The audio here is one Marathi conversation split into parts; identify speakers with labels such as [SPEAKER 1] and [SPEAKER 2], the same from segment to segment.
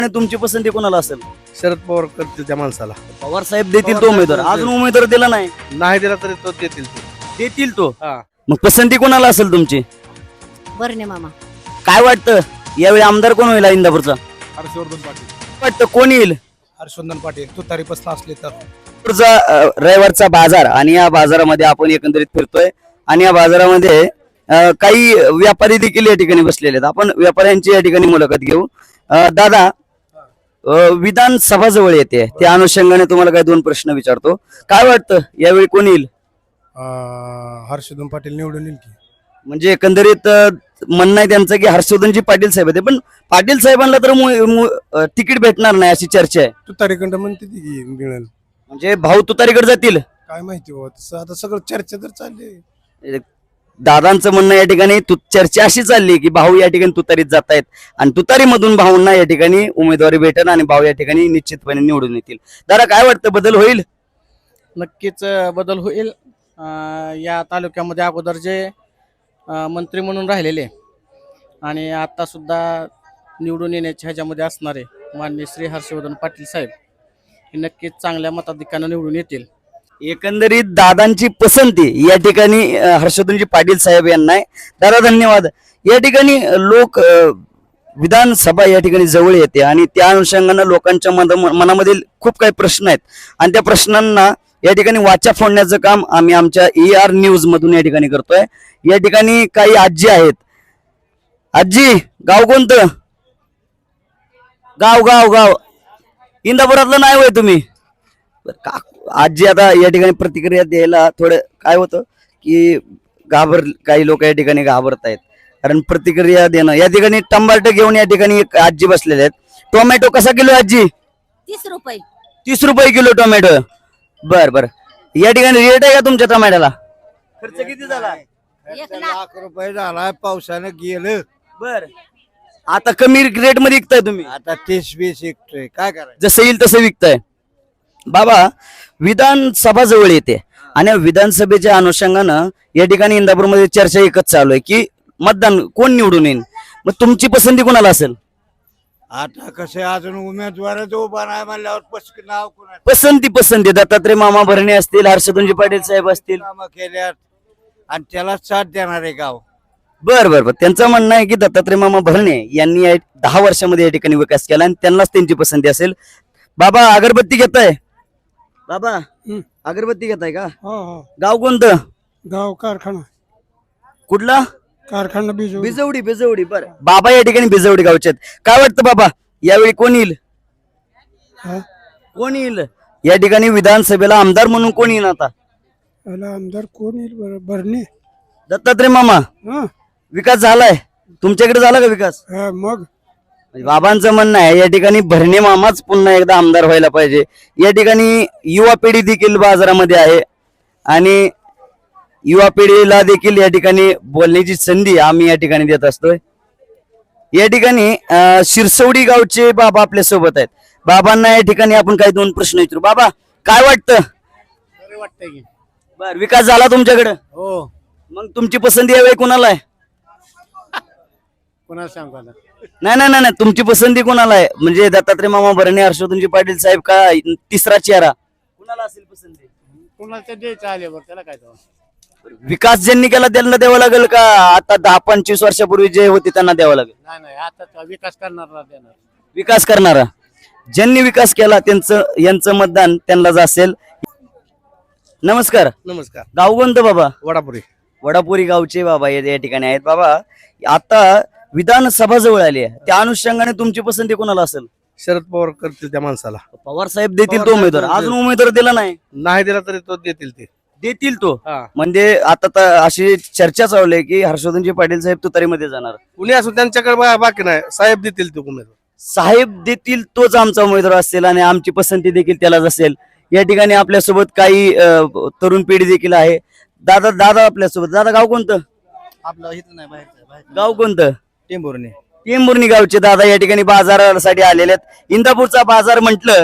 [SPEAKER 1] आणि तुमची पसंती कोणाला असेल?
[SPEAKER 2] शरद पवार करतील त्या माणसाला.
[SPEAKER 1] पवार साहेब देतील तो उमेदवार. अजून उमेदवार दिला नाही.
[SPEAKER 2] नाही दिला तरी तो देतील ते.
[SPEAKER 1] देतील तो.
[SPEAKER 2] हा.
[SPEAKER 1] मग पसंती कोणाला असेल तुमची?
[SPEAKER 3] बरणे मामा.
[SPEAKER 1] काय वाटतं यावेळी आमदार कोण होईल इंदापूरचा?
[SPEAKER 2] हर्षवर्धन पाटील.
[SPEAKER 1] वाटतं कोण येईल?
[SPEAKER 2] हर्षवर्धन पाटील तुतारी पसंत असले तर.
[SPEAKER 1] पुढचा रविवारचा बाजार आणि या बाजारामध्ये आपण एकंदरीत फिरतोय आणि या बाजारामध्ये काही व्यापारी देखील या ठिकाणी बसलेले आहेत. आपण व्यापाऱ्यांची या ठिकाणी मुलाखत घेऊ. दादा, विधानसभा जवळ येते, त्या अनुषंगाने तुम्हाला काही दोन प्रश्न विचारतो. काय वाटतं यावेळी कोण येईल?
[SPEAKER 2] हर्षवर्धन पाटील निवडून येईल की.
[SPEAKER 1] म्हणजे एकंदरीत म्हणणं आहे त्यांचं की हर्षवर्धनजी पाटील साहेब आहेत, पण पाटील साहेबांना तर तिकीट भेटणार नाही अशी चर्चा आहे.
[SPEAKER 2] तुतारीकडं म्हणते ती मिळेल.
[SPEAKER 1] म्हणजे भाऊ तुतारीकडे जातील.
[SPEAKER 2] काय माहिती हो, तसं आता सगळं चर्चा तर चालली.
[SPEAKER 1] दादांचं म्हणणं या ठिकाणी चर्चा अशी चालली की भाऊ या ठिकाणी तुतारीत जात आहेत आणि तुतारीमधून भाऊंना या ठिकाणी उमेदवारी भेटेल आणि भाऊ या ठिकाणी निश्चितपणे निवडून येतील. दादा, काय वाटतं बदल होईल?
[SPEAKER 4] नक्कीच बदल होईल. या तालुक्यामध्ये अगोदर जे मंत्री म्हणून राहिलेले आणि आता सुद्धा निवडून येण्याच्या ह्याच्यामध्ये असणारे माननीय श्री हर्षवर्धन पाटील साहेब हे नक्कीच चांगल्या मताधिक्यानं निवडून येतील.
[SPEAKER 1] एकंदरीत दादांची पसंती या ठिकाणी हर्षवर्धनजी पाटील साहेब यांना आहे. दादा, धन्यवाद. या ठिकाणी लोक विधानसभा या ठिकाणी जवळ येते आणि त्या अनुषंगानं लोकांच्या मनामध्ये खूप काही प्रश्न आहेत आणि त्या प्रश्नांना या ठिकाणी वाचा फोडण्याचं काम आम्ही आमच्या ER न्यूज मधून या ठिकाणी करतोय. या ठिकाणी काही आजी आहेत. आजी, गाव कोणतं? गाव गाव गाव इंदापुरातलं नाही होय तुम्ही? आजी, आता या ठिकाणी प्रतिक्रिया द्यायला थोडं काय होतं की काही लोक या ठिकाणी घाबरत आहेत, कारण प्रतिक्रिया देणं. या ठिकाणी टमाटर घेऊन या ठिकाणी एक आजी बसलेले आहेत. टोमॅटो कसा किलो आजी?
[SPEAKER 3] 30 रुपये.
[SPEAKER 1] 30 रुपये किलो टोमॅटो. बर बर. या ठिकाणी रेट आहे का तुमच्या टोमॅटोला? खर्च किती झाला?
[SPEAKER 3] 1
[SPEAKER 2] लाख रुपये झाला, पावसानं गेलं.
[SPEAKER 1] बर. आता कमी रेट मध्ये विकताय तुम्ही?
[SPEAKER 2] आता 30-20 विकतोय, काय करायचं.
[SPEAKER 1] जसं येईल तसं विकताय. बाबा, विधानसभा जवळ येते आणि विधानसभेच्या अनुषंगानं या ठिकाणी इंदापूरमध्ये चर्चा एकच चालू आहे की मतदान कोण निवडून येईल. मग तुमची पसंती कोणाला असेल?
[SPEAKER 2] आता कसं अजून उमेदवारच उभा नाही म्हणल्यावर नाव कोणा
[SPEAKER 1] पसंती दत्तात्रय मामा भरणे असतील, हर्षवर्धनजी पाटील साहेब असतील.
[SPEAKER 2] कामं केल्यात आणि त्याला साथ देणार आहे गाव.
[SPEAKER 1] बर बर बर. त्यांचं म्हणणं आहे की दत्तात्रय मामा भरणे यांनी 10 वर्षामध्ये या ठिकाणी विकास केला आणि त्यांनाच त्यांची पसंती असेल. बाबा, अगरबत्ती घेताय? बाबा, अगरबत्ती घेताय का? गाव कोणतं?
[SPEAKER 5] गाव कारखाना.
[SPEAKER 1] कुठला?
[SPEAKER 5] कारखाना
[SPEAKER 1] बिजवडी. बर. बाबा या ठिकाणी बिजवडी गावचे आहेत. काय वाटतं बाबा यावेळी कोण येईल? कोण येईल या ठिकाणी विधानसभेला आमदार म्हणून? कोण येईल आता
[SPEAKER 5] आमदार? कोण येईल? भरणे.
[SPEAKER 1] दत्तात्रय मामा. विकास झालाय तुमच्याकडे? झाला का विकास?
[SPEAKER 5] मग
[SPEAKER 1] बाबांचं म्हणणं आहे या ठिकाणी भरणे मामाच पुन्हा एकदा आमदार व्हायला पाहिजे. या ठिकाणी युवा पिढी देखील बाजारामध्ये आहे आणि युवा पिढीला देखील या ठिकाणी बोलण्याची संधी आम्ही या ठिकाणी देत असतोय. या ठिकाणी शिरसवडी गावचे बाबा आपल्या सोबत आहेत. बाबांना या ठिकाणी आपण काही दोन प्रश्न विचारू. बाबा, काय वाटतं?
[SPEAKER 4] वाटतंय की
[SPEAKER 1] बर, विकास झाला तुमच्याकडे?
[SPEAKER 4] हो.
[SPEAKER 1] मग तुमची पसंती यावेळी कोणाला आहे?
[SPEAKER 4] कोणाला सांगू आता?
[SPEAKER 1] नाही, तुमची पसंती कोणाला आहे? म्हणजे दत्तात्रय मामा भरणे, हर्षवर्धनजी पाटील साहेब का तिसरा चेहरा कोणाला असेल पसंती?
[SPEAKER 4] कोणाला द्यायचं आल्यावर त्याला काय तो?
[SPEAKER 1] विकास ज्यांनी केला त्यांना द्यावं लागेल का आता 10-25 वर्षापूर्वी जे होते त्यांना द्यावं लागेल?
[SPEAKER 4] नाही, आता विकास करणारा देणार.
[SPEAKER 1] विकास करणारा, ज्यांनी विकास केला यांचं मतदान त्यांनाच असेल. नमस्कार.
[SPEAKER 2] नमस्कार.
[SPEAKER 1] गाव कोणतं बाबा?
[SPEAKER 2] वडापुरी
[SPEAKER 1] गावचे बाबा या ठिकाणी आहेत. बाबा, आता विधानसभा जवळ आली आहे, त्या अनुषंगाने तुमची पसंती कोणाला असेल?
[SPEAKER 2] शरद पवार करतील त्या माणसाला.
[SPEAKER 1] पवार साहेब देतील तो उमेदवार. अजून उमेदवार दिला नाही.
[SPEAKER 2] नाही दिला तरी तो देतील
[SPEAKER 1] तो.
[SPEAKER 2] हा.
[SPEAKER 1] म्हणजे आता तर अशी चर्चा चालू आहे की हर्षवर्धनजी पाटील साहेब तुतारीमध्ये जाणार.
[SPEAKER 2] कुणी असून त्यांच्याकडे बाकी नाही, साहेब देतील तो उमेदवार.
[SPEAKER 1] साहेब देतील तोच आमचा उमेदवार असेल आणि आमची पसंती देखील त्यालाच असेल. या ठिकाणी आपल्यासोबत काही तरुण पिढी देखील आहे. दादा आपल्यासोबत. दादा, गाव कोणतं?
[SPEAKER 4] आपलं इथं नाही, बाहेर.
[SPEAKER 1] गाव कोणतं?
[SPEAKER 4] टेंभुर्णी
[SPEAKER 1] गावचे दादा या ठिकाणी बाजारासाठी आलेले आहेत. इंदापूरचा बाजार म्हटलं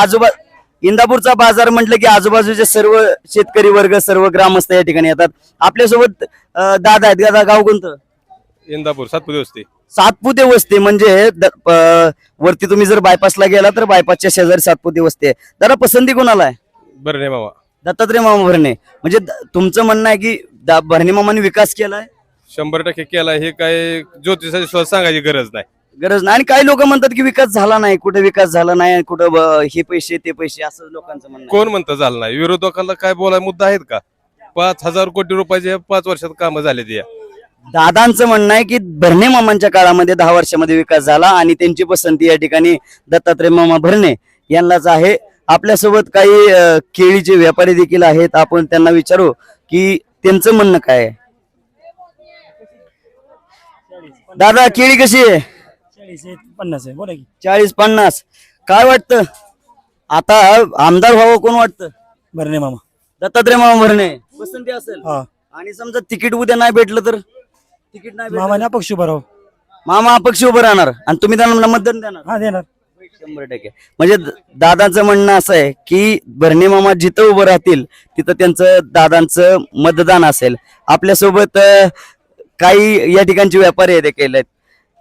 [SPEAKER 1] की आजूबाजूचे सर्व शेतकरी वर्ग, सर्व ग्रामस्थ या ठिकाणी येतात. आपल्यासोबत दादा आहेत. दादा, गाव कोणतं?
[SPEAKER 6] इंदापूर सातपुते वस्ती.
[SPEAKER 1] सातपुते वस्ती म्हणजे वरती तुम्ही जर बायपासला गेला तर बायपासच्या शेजारी सातपुते वस्ती आहे. दादा पसंती कोणाला आहे?
[SPEAKER 6] बरं मामा.
[SPEAKER 1] दत्तात्रय मामा भरणे. म्हणजे तुमचं म्हणणं आहे की भरणे मामाने विकास केलाय?
[SPEAKER 6] 100% केला. हे काय ज्योतिषाची सुद्धा सांगायची गरज नाही.
[SPEAKER 1] गरज नाही. आणि काही लोक म्हणतात की विकास झाला नाही, कुठे विकास झाला नाही, कुठं हे पैसे ते पैसे, असं लोकांचं म्हणणं आहे.
[SPEAKER 6] कोण म्हणतं झालं नाही? विरोधकांना काय बोलाय मुद्दा आहेत का? 5,000 कोटी रुपयाचे 5 वर्षात कामं झाले ते.
[SPEAKER 1] दादांचं म्हणणं आहे की भरणे मामांच्या काळामध्ये 10 वर्षामध्ये विकास झाला आणि त्यांची पसंती या ठिकाणी दत्तात्रय मामा भरणे यांनाच आहे. आपल्यासोबत काही केळीचे व्यापारी देखील आहेत. आपण त्यांना विचारू की त्यांचं म्हणणं काय आहे. दादा केळी कशी आहे?
[SPEAKER 7] 40-50 आहे. बोला की.
[SPEAKER 1] 40-50. काय वाटतं आता आमदार व्हावं कोण वाटतं?
[SPEAKER 7] बरं मामा.
[SPEAKER 1] दत्तात्रय मामा भरणे पसंती असेल.
[SPEAKER 7] हा.
[SPEAKER 1] आणि समजा तिकीट उद्या नाही भेटलं तर? तिकीट नाही भेटलं
[SPEAKER 7] मामाने अपक्ष उभा राहू.
[SPEAKER 1] मामा अपक्ष उभं राहणार आणि तुम्ही त्यांना मतदान देणार?
[SPEAKER 7] हा देणार.
[SPEAKER 1] 100%. म्हणजे दादाचं म्हणणं असं आहे की भरणे मामा जिथं उभं राहतील तिथं त्यांचं दादांचं मतदान असेल. आपल्यासोबत काही या ठिकाणचे व्यापारी देखील आहेत.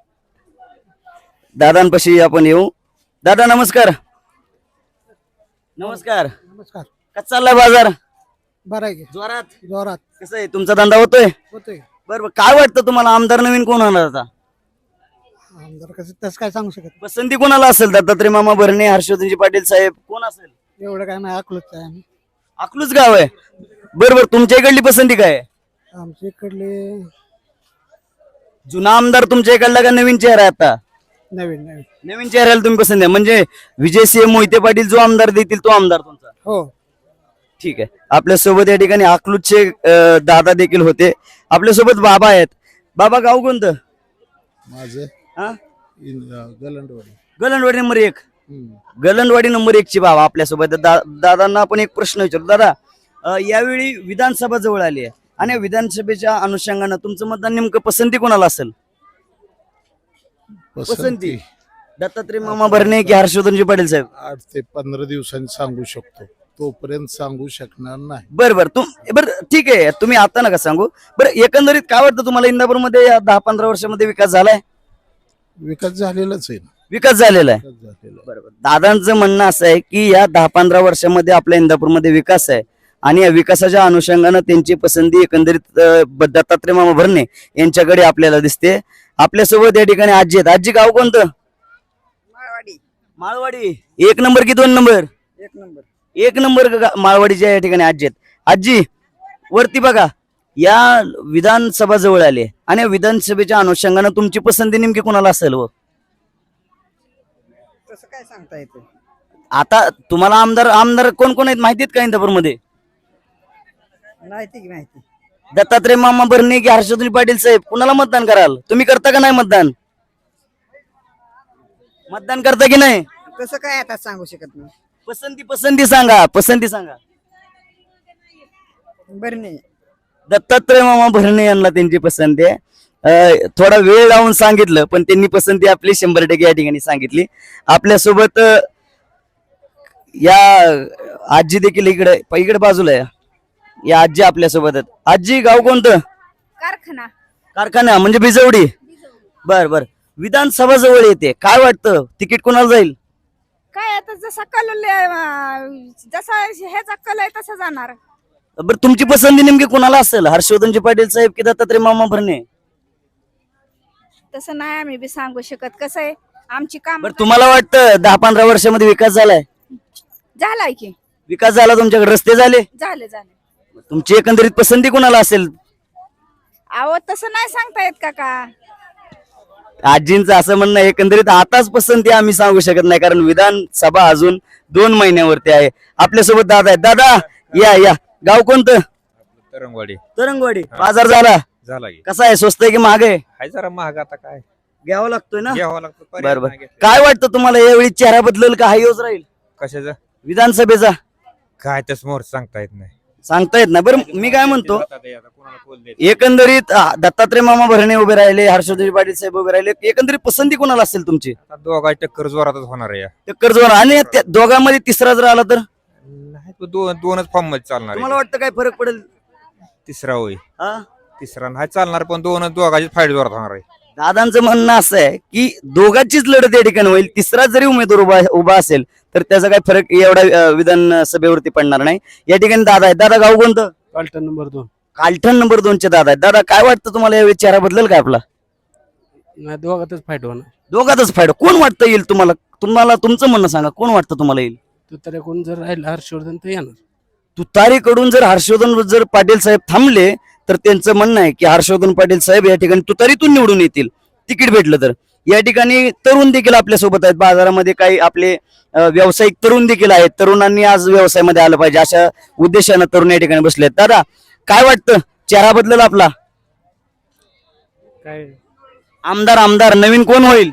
[SPEAKER 1] दादांपाशी आपण येऊ. दादा नमस्कार. नमस्कार.
[SPEAKER 5] नमस्कार.
[SPEAKER 1] कसा चाललाय बाजार?
[SPEAKER 5] बरं आहे की?
[SPEAKER 1] जोरात?
[SPEAKER 5] जोरात
[SPEAKER 1] कसं आहे तुमचा धंदा होतोय?
[SPEAKER 5] होतोय.
[SPEAKER 1] बरोबर. काय वाटतं तुम्हाला आमदार नवीन कोण होणार आता?
[SPEAKER 5] आमदार कसं तसं काय सांगू शकत
[SPEAKER 1] पसंती कोणाला असेल? दत्तात्रय मामा भरणे, हर्षवर्धनजी पाटील साहेब, कोण असेल?
[SPEAKER 5] नाही. एवढं काय नाही अकलूच आहे आम्ही.
[SPEAKER 1] अकलूच गाव आहे. बरोबर. तुमच्या इकडली पसंती काय आहे?
[SPEAKER 5] आमच्या इकडले
[SPEAKER 1] जुना आमदार तुमच्या इकडला का नवीन चेहरा आहे आता?
[SPEAKER 5] नवीन नवीन.
[SPEAKER 1] नवीन चेहऱ्याला तुम्ही पसंत आहे. म्हणजे विजयसिंह मोहिते पाटील जो आमदार देतील तो आमदार तुमचा?
[SPEAKER 5] हो.
[SPEAKER 1] ठीक आहे. आपल्यासोबत या ठिकाणी अकलूजचे दादा देखील होते. आपल्यासोबत बाबा आहेत. बाबा गाव कोणतं?
[SPEAKER 2] माझं
[SPEAKER 1] हा?
[SPEAKER 2] गलंडवाडी.
[SPEAKER 1] गलंडवाडी नंबर 1. गलंडवाडी नंबर 1 ची बाबा आपल्यासोबत. दादांना आपण एक प्रश्न विचारू. दादा यावेळी विधानसभा जवळ आली आहे आणि विधानसभेच्या अनुषंगानं तुमचं मतदान नेमकं पसंती कोणाला असेल? पसंती दत्तात्रय मामा भरणे की हर्षवर्धनजी पाटील साहेब?
[SPEAKER 2] 8 ते 15 दिवसांनी सांगू शकतो, तोपर्यंत सांगू शकणार नाही.
[SPEAKER 1] बरं ठीक आहे. तुम्ही आता नका सांगू. बरं एकंदरीत काय वाटतं तुम्हाला इंदापूरमध्ये या 10-15 वर्षामध्ये विकास झालाय?
[SPEAKER 2] विकास झालेलाच आहे ना.
[SPEAKER 1] विकास झालेला आहे.
[SPEAKER 2] विकास झालेला आहे.
[SPEAKER 1] बरोबर. दादांचं म्हणणं असं आहे की या 10-15 वर्षामध्ये आपल्या इंदापूरमध्ये विकास आहे आणि या विकासाच्या अनुषंगानं त्यांची पसंती एकंदरीत दत्तात्रय मामा भरणे यांच्याकडे आपल्याला दिसते. आपल्यासोबत या ठिकाणी आजी आहेत. आजी गाव कोणतं? माळवाडी. 1 नंबर की 2 नंबर? 1 नंबर माळवाडीच्या या ठिकाणी आजी आहेत. आजी वरती बघा. या विधानसभा जवळ आली आणि या विधानसभेच्या अनुषंगानं तुमची पसंती नेमकी कोणाला असेल? व
[SPEAKER 8] तसं काय सांगता येतं?
[SPEAKER 1] आता तुम्हाला आमदार कोण कोण आहेत माहितीत का इंदापूरमध्ये?
[SPEAKER 8] माहिती.
[SPEAKER 1] दत्तात्रय मामा भरणे की हर्षवर्धन पाटील साहेब? कुणाला मतदान कराल? तुम्ही करता का नाही मतदान? मतदान करता की नाही?
[SPEAKER 8] तसं काय आता सांगू शकत नाही.
[SPEAKER 1] पसंती सांगा. पसंती सांगा.
[SPEAKER 8] बरं नाही.
[SPEAKER 1] दत्तात्रय मामा भरणे यांना त्यांची पसंती आहे. थोडा वेळ लावून सांगितलं पण त्यांनी पसंती आपली 100% या ठिकाणी सांगितली. आपल्यासोबत या आजी देखील इकडे बाजूला आहे. या आजी आपल्यासोबत आहेत. आजी गाव कोणतं? कारखाना म्हणजे बिजवडी. बर. विधानसभा जवळ येते. काय वाटतं तिकीट कोणाला जाईल?
[SPEAKER 9] काय आता जसा कल जसा ह्याचा कल आहे तसा जाणार.
[SPEAKER 1] बरं तुमची पसंती नेमकी कोणाला असेल? हर्षवर्धनजी पाटील साहेब की दत्तात्रय मामा भरणे?
[SPEAKER 9] तसं नाही आम्ही बी सांगू शकत. कसं आहे आमची काम
[SPEAKER 1] बरं तुम्हाला वाटतं 10-15 वर्षामध्ये विकास झालाय?
[SPEAKER 9] झालाय की.
[SPEAKER 1] विकास झाला तुमच्याकडे? रस्ते झाले?
[SPEAKER 9] झाले.
[SPEAKER 1] तुमची एकंदरीत पसंती कोणाला असेल?
[SPEAKER 9] अहो तसं नाही सांगता येत का.
[SPEAKER 1] आजींचं असं म्हणणं आहे, एकंदरीत आताच पसंती आम्ही सांगू शकत नाही कारण विधानसभा अजून 2 महिन्यावरती आहे. आपल्यासोबत दादा आहेत. दादा या गाव कोणतं? तरंगवाडी. बाजार झाला
[SPEAKER 6] की.
[SPEAKER 1] कसा आहे? स्वस्त आहे की महाग आहे?
[SPEAKER 6] हाय जरा महाग. आता काय
[SPEAKER 1] घ्यावं लागतोय ना?
[SPEAKER 6] घ्यावं लागतं.
[SPEAKER 1] बरोबर. काय वाटतं तुम्हाला यावेळी चेहरा बदलेल का हायच राहील
[SPEAKER 6] कशाचं
[SPEAKER 1] विधानसभेचा?
[SPEAKER 6] काय त्या समोर सांगता येत नाही.
[SPEAKER 1] सांगता येत नाही. बरं मी काय म्हणतो एकंदरीत दत्तात्रय मामा भरणे उभे राहिले, हर्षवर्धन पाटील साहेब उभे राहिले. एकंदरीत पसंती कोणाला असेल तुमची?
[SPEAKER 6] दोघा टक्कर जोरातच होणार आहे.
[SPEAKER 1] टक्कर जोर. आणि त्या दोघांमध्ये तिसरा जर आला तर
[SPEAKER 6] नाही दोनच फॉर्म मध्ये चालणार
[SPEAKER 1] तुम्हाला वाटतं काय फरक पडेल?
[SPEAKER 6] तिसरा होईल.
[SPEAKER 10] तिसरा नाही चालणार, पण दोघांची फाईट जोरात होणार आहे.
[SPEAKER 1] दादांचं म्हणणं असं आहे की दोघांचीच लढत या ठिकाणी होईल. तिसरा जरी उमेदवार उभा असेल तर त्याचा काही फरक एवढा विधानसभेवरती पडणार नाही. या ठिकाणी दादा आहे. दादा गाव कोणतं?
[SPEAKER 5] पालटण नंबर 2.
[SPEAKER 1] कालठण नंबर 2 चे दादा आहेत. दादा काय वाटतं तुम्हाला यावेळी चेहरा बदलेल काय आपला?
[SPEAKER 5] नाही, दोघातच फाईट होणार.
[SPEAKER 1] दोघातच फायदा कोण वाटतं येईल तुम्हाला? तुमचं म्हणणं सांगा, कोण वाटतं तुम्हाला येईल?
[SPEAKER 5] तुताऱ्याकडून जर राहिला हर्षवर्धन तर येणार.
[SPEAKER 1] तुतारीकडून जर हर्षवर्धन जर पाटील साहेब थांबले तर त्यांचं म्हणणं आहे की हर्षवर्धन पाटील साहेब या ठिकाणी तुतारीतून निवडून येतील तिकीट भेटलं तर. या ठिकाणी तरुण देखील आपल्या सोबत आहेत. बाजारामध्ये काही आपले व्यावसायिक तरुण देखील आहेत. तरुणांनी आज व्यवसायामध्ये आलं पाहिजे अशा उद्देशानं तरुण या ठिकाणी बसले आहेत. दादा काय वाटतं चेहरा बदलेल आपला?
[SPEAKER 5] काय
[SPEAKER 1] आमदार नवीन कोण होईल?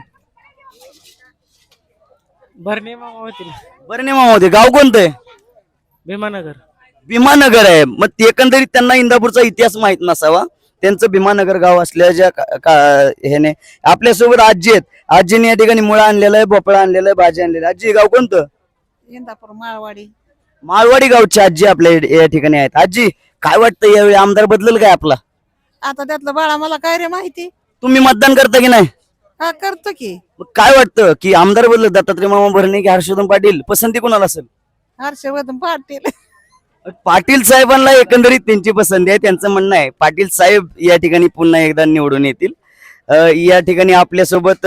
[SPEAKER 5] भरणे मामा होतील.
[SPEAKER 1] बरं नाही मामा होते. गाव कोणतं आहे?
[SPEAKER 5] भीमानगर.
[SPEAKER 1] भीमानगर आहे. मग ते एकंदरीत त्यांना इंदापूरचा इतिहास माहित नसावा. त्यांचं भीमानगर गाव असल्याच्या ह्याने आपल्यासोबत आजी आहेत. आजीने या ठिकाणी मुळा आणलेला आहे, भोपळा आणलेला आहे, भाजी आणलेली आहे. आजी गाव कोणतं?
[SPEAKER 8] इंदापूर माळवाडी.
[SPEAKER 1] माळवाडी गावची आजी आपल्या या ठिकाणी आहेत. आजी काय वाटतं यावेळी आमदार बदलेल काय आपला?
[SPEAKER 8] आता त्यातलं बाळा मला काय रे माहिती.
[SPEAKER 1] तुम्ही मतदान करता की नाही?
[SPEAKER 8] हा करतो की.
[SPEAKER 1] मग काय वाटतं की आमदार बदल दत्तात्रय मामा भरणे की हर्षवर्धन पाटील पसंती कोणाला असेल?
[SPEAKER 8] हर्षवर्धन पाटील.
[SPEAKER 1] पाटील साहेबांना एकंदरीत त्यांची पसंती आहे. त्यांचं म्हणणं आहे पाटील साहेब या ठिकाणी पुन्हा एकदा निवडून येतील. या ठिकाणी आपल्यासोबत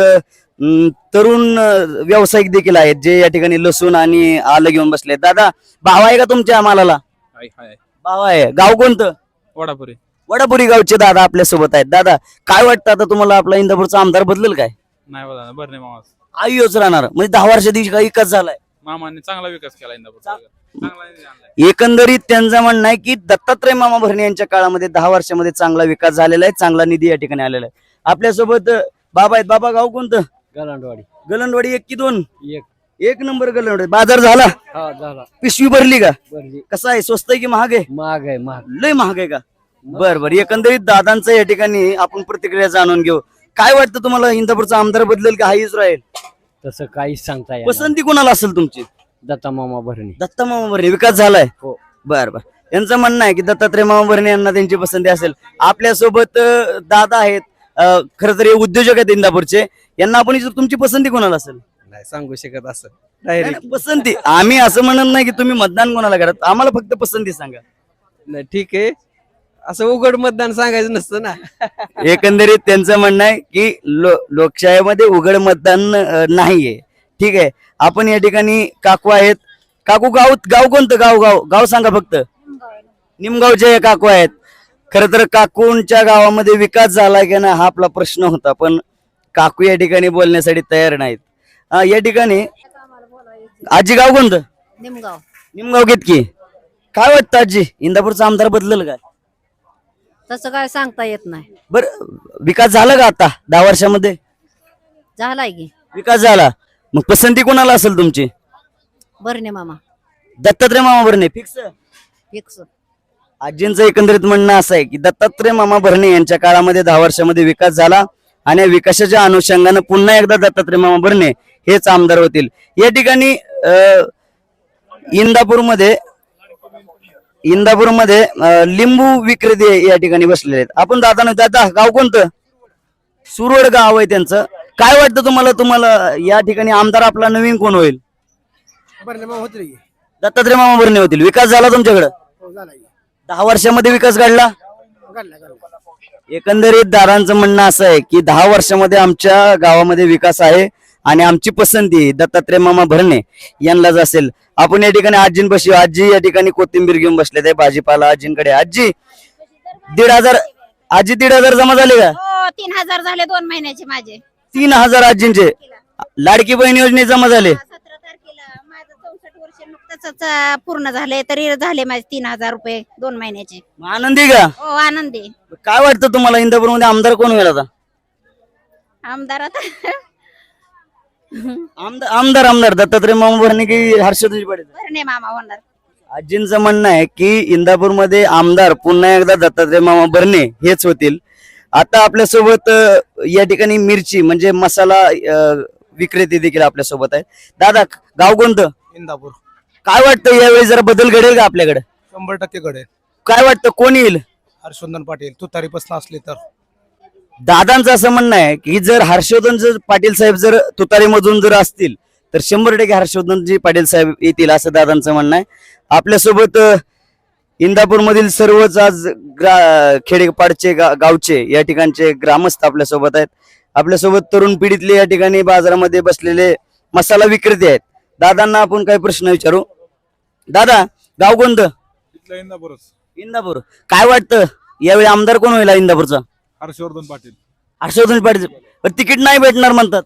[SPEAKER 1] तरुण व्यावसायिक देखील आहेत जे या ठिकाणी लसूण आणि आलं घेऊन बसले. दादा भाव आहे का तुमच्या मालाला? भाव आहे. गाव कोणतं?
[SPEAKER 6] वडापुरी.
[SPEAKER 1] वडापुरी गावचे दादा आपल्या सोबत आहेत. दादा काय वाटतं आता तुम्हाला आपला इंदापूरचा आमदार बदलेल काय?
[SPEAKER 6] नाही बघा बरं मामा.
[SPEAKER 1] आयुष राहणार म्हणजे 10 वर्षात काही विकास झालाय.
[SPEAKER 6] मामाने चांगला विकास केला इंदापूरचा.
[SPEAKER 1] एकंदरीत त्यांचं म्हणणं आहे की दत्तात्रय मामा भरणे यांच्या काळामध्ये 10 वर्षामध्ये चांगला विकास झालेला आहे. चांगला निधी या ठिकाणी आलेला आहे. आपल्यासोबत बाबा आहेत. बाबा गाव कोणतं?
[SPEAKER 5] गलांडवाडी.
[SPEAKER 1] गलंडवाडी 1 की 2?
[SPEAKER 5] एक.
[SPEAKER 1] 1 नंबर गलंडवाडी. बाजार झाला?
[SPEAKER 5] हा झाला.
[SPEAKER 1] पिशवी भरली का?
[SPEAKER 5] बरली.
[SPEAKER 1] कसं आहे, स्वस्त आहे की महाग आहे?
[SPEAKER 5] महाग आहे महाग.
[SPEAKER 1] लय महाग आहे का? बर एकंदरीत दादांचं या ठिकाणी आपण प्रतिक्रिया जाणून घेऊ. काय वाटतं तुम्हाला इंदापूरचा आमदार बदलेल का हाच राहील?
[SPEAKER 5] तसं काहीच सांगता येणार.
[SPEAKER 1] पसंती कोणाला असेल तुमची?
[SPEAKER 5] दत्ता मामा भरणे.
[SPEAKER 1] दत्ता मामा भरणे. विकास झालाय?
[SPEAKER 5] हो.
[SPEAKER 1] बर त्यांचं म्हणणं आहे की दत्तात्रय मामा भरणे यांना त्यांची पसंती असेल. आपल्यासोबत दादा आहेत. खरं तर हे उद्योजक आहेत इंदापूरचे. यांना आपण विचारू तुमची पसंती कोणाला असेल?
[SPEAKER 10] नाही सांगू शकत असं.
[SPEAKER 1] नाही, नाही, पसंती आम्ही असं म्हणत नाही की तुम्ही मतदान कोणाला करत. आम्हाला फक्त पसंती सांगा.
[SPEAKER 10] नाही ठीक आहे, असं उघड मतदान सांगायचं नसतं ना.
[SPEAKER 1] एकंदरीत त्यांचं म्हणणं आहे की लोकशाहीमध्ये उघड मतदान नाहीये. ठीक आहे. आपण या ठिकाणी काकू आहेत. काकू गाव कोणतं? गाव सांगा फक्त. निमगावचे काकू आहेत. खर तर काकूंच्या गावामध्ये विकास झाला की नाही हा आपला प्रश्न होता, पण काकू या ठिकाणी बोलण्यासाठी तयार नाहीत. या ठिकाणी आजी गाव कोणतं?
[SPEAKER 3] निमगाव.
[SPEAKER 1] निमगाव घेतकी. काय वाटतं आजी इंदापूरचा आमदार बदलेल काय?
[SPEAKER 3] तसं काय सांगता येत नाही.
[SPEAKER 1] बर विकास झाला का आता 10 वर्षामध्ये?
[SPEAKER 3] झालाय की.
[SPEAKER 1] विकास झाला. मग पसंती कोणाला असेल तुमची?
[SPEAKER 3] भरणे मामा.
[SPEAKER 1] दत्तात्रय मामा भरणे फिक्स?
[SPEAKER 3] फिक्स.
[SPEAKER 1] आजींचं एकंदरीत म्हणणं असं आहे की दत्तात्रय मामा भरणे यांच्या काळामध्ये 10 वर्षामध्ये विकास झाला आणि या विकासाच्या अनुषंगानं पुन्हा एकदा दत्तात्रय मामा भरणे हेच आमदार होतील. या ठिकाणी इंदापूरमध्ये लिंबू विक्रेते या ठिकाणी बसलेले आहेत. आपण दादा गाव कोणतं? सुरवड गाव आहे त्यांचं. काय वाटतं तुम्हाला या ठिकाणी आमदार आपला नवीन कोण होईल?
[SPEAKER 5] भरणे मामा होतील की.
[SPEAKER 1] दत्तात्रय मामा भरणे होतील. विकास झाला तुमच्याकडे?
[SPEAKER 5] हो झाला की.
[SPEAKER 1] 10 वर्षामध्ये विकास घडला?
[SPEAKER 5] घडला.
[SPEAKER 1] एकंदरीत दादांचं म्हणणं असं आहे की 10 वर्षामध्ये आमच्या गावामध्ये विकास आहे आणि आमची पसंती दत्तात्रय मामा भरणे यांनाच असेल. आपण या ठिकाणी आजींपाशी. आजी या ठिकाणी कोथिंबीर घेऊन बसले ते भाजीपाला आजींकडे. आजी 1,500 जमा झाले का?
[SPEAKER 9] हो 3,000 झाले 2 महिन्याचे माझे.
[SPEAKER 1] 3,000 आजींचे. लाडकी बहीण योजने जमा झाले?
[SPEAKER 9] 17 तारखेला माझं 64 वर्ष नुकतंच पूर्ण झाले तरी झाले माझे 3,000 रुपये 2 महिन्याचे.
[SPEAKER 1] आनंदी का?
[SPEAKER 9] हो आनंदी.
[SPEAKER 1] काय वाटतं तुम्हाला इंदापूरमध्ये आमदार कोण होईल आता?
[SPEAKER 9] आमदार आता
[SPEAKER 1] आमदार दत्तात्रय मामा भरणे की हर्षवर्धन पाटील?
[SPEAKER 9] भरणे मामा होणार.
[SPEAKER 1] आजींचं म्हणणं आहे की इंदापूरमध्ये आमदार पुन्हा एकदा दत्तात्रय मामा भरणे हेच होतील. आता आपल्यासोबत या ठिकाणी मिरची म्हणजे मसाला विक्रेते देखील आपल्यासोबत आहेत. दादा गाव कोणतं?
[SPEAKER 10] इंदापूर.
[SPEAKER 1] काय वाटतं यावेळी जरा बदल घडेल का आपल्याकडे?
[SPEAKER 10] 100% घडेल.
[SPEAKER 1] काय वाटतं कोण येईल?
[SPEAKER 5] हर्षवर्धन पाटील तुतारीपासून असले तर
[SPEAKER 1] दादांचं असं म्हणणं आहे की जर हर्षवर्धन जर पाटील साहेब जर तुतारीमधून जर असतील तर 100% हर्षवर्धनजी पाटील साहेब येतील असं दादांचं म्हणणं आहे. आपल्यासोबत इंदापूर मधील सर्वच आज खेडेपाडचे गावचे या ठिकाणचे ग्रामस्थ आपल्यासोबत आहेत. आपल्यासोबत तरुण पिढीतले या ठिकाणी बाजारामध्ये बसलेले मसाला विक्रेते आहेत. दादांना आपण काही प्रश्न विचारू. दादा, गाव कोणतं? इंदापूर. काय वाटतं यावेळी आमदार कोण होईल इंदापूरचा?
[SPEAKER 6] हर्षवर्धन पाटील.
[SPEAKER 1] हर्षवर्धन पाटील. पण तिकीट नाही भेटणार म्हणतात.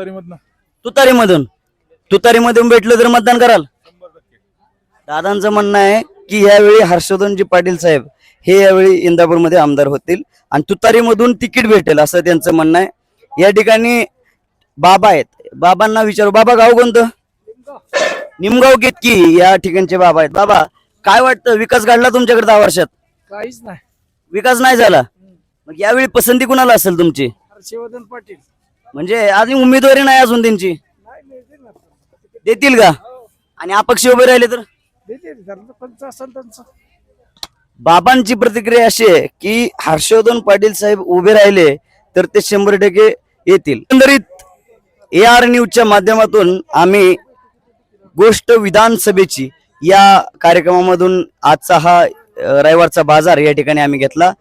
[SPEAKER 1] तुतारीमधून भेटलं तर मतदान कराल? दादांचं म्हणणं आहे की यावेळी हर्षवर्धनजी पाटील साहेब हे यावेळी इंदापूरमध्ये आमदार होतील आणि तुतारीमधून तिकीट भेटेल असं त्यांचं म्हणणं आहे. या ठिकाणी बाबा आहेत. बाबांना विचारू. बाबा, गाव कोणतं? निमगाव केतकी या ठिकाणचे बाबा आहेत. बाबा, काय वाटतं विकास घडला तुमच्याकडे 10 वर्षात?
[SPEAKER 5] काहीच नाही.
[SPEAKER 1] विकास नाही झाला. मग यावेळी पसंती कुणाला असेल तुमची?
[SPEAKER 5] हर्षवर्धन पाटील
[SPEAKER 1] म्हणजे अजून उमेदवारी नाही अजून त्यांची. देतील का? आणि अपक्ष उभे राहिले तर? बाबांची प्रतिक्रिया अशी आहे की हर्षवर्धन पाटील साहेब उभे राहिले तर ते 100% येतील. एकंदरीत AR न्यूजच्या माध्यमातून आम्ही गोष्ट विधानसभेची या कार्यक्रमामधून आजचा हा रविवारचा बाजार या ठिकाणी आम्ही घेतला.